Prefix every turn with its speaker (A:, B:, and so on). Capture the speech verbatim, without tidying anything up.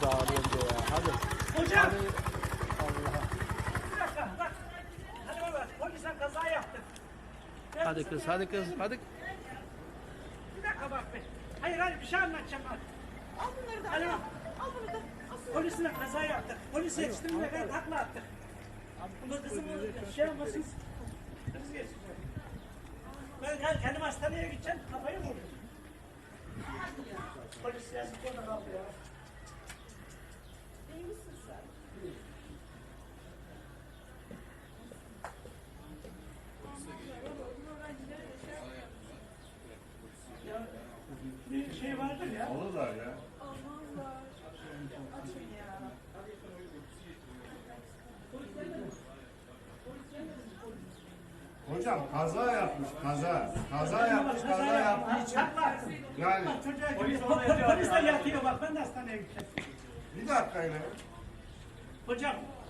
A: burada ağrıyor diyor ya. Hadi.
B: Hocam.
A: Hadi. Allah.
B: Bir dakika bak. Hadi baba polisten kaza yaptık. Ben
A: Hadi kız, hadi kız, hadi.
B: Bir dakika bak be. Hayır hayır bir şey anlatacağım bak.
C: Al bunları da.
B: Hadi bak.
C: Al bunu da. Al.
B: Polisle kaza yaptık. Polis yetiştirmeye kadar takla attık. Bunu kızım şey olmasın. Kız geçsin. Ben gel kendim hastaneye gideceğim. Kafayı mı vurayım? Polis yazık orada kaldı ya.
C: İyi misin sen?
B: Ya bir şey vardır ya.
D: Alırlar ya.
C: Aman var. Açın ya.
D: Hocam kaza yapmış, kaza. Kaza yapmış, kaza yaptığı için.
B: Takla.
D: Yani
B: Bak çocuğa polis, polis de yatıyor bak ben de hastaneye gideceğim.
D: bir dakika ile.
B: Hocam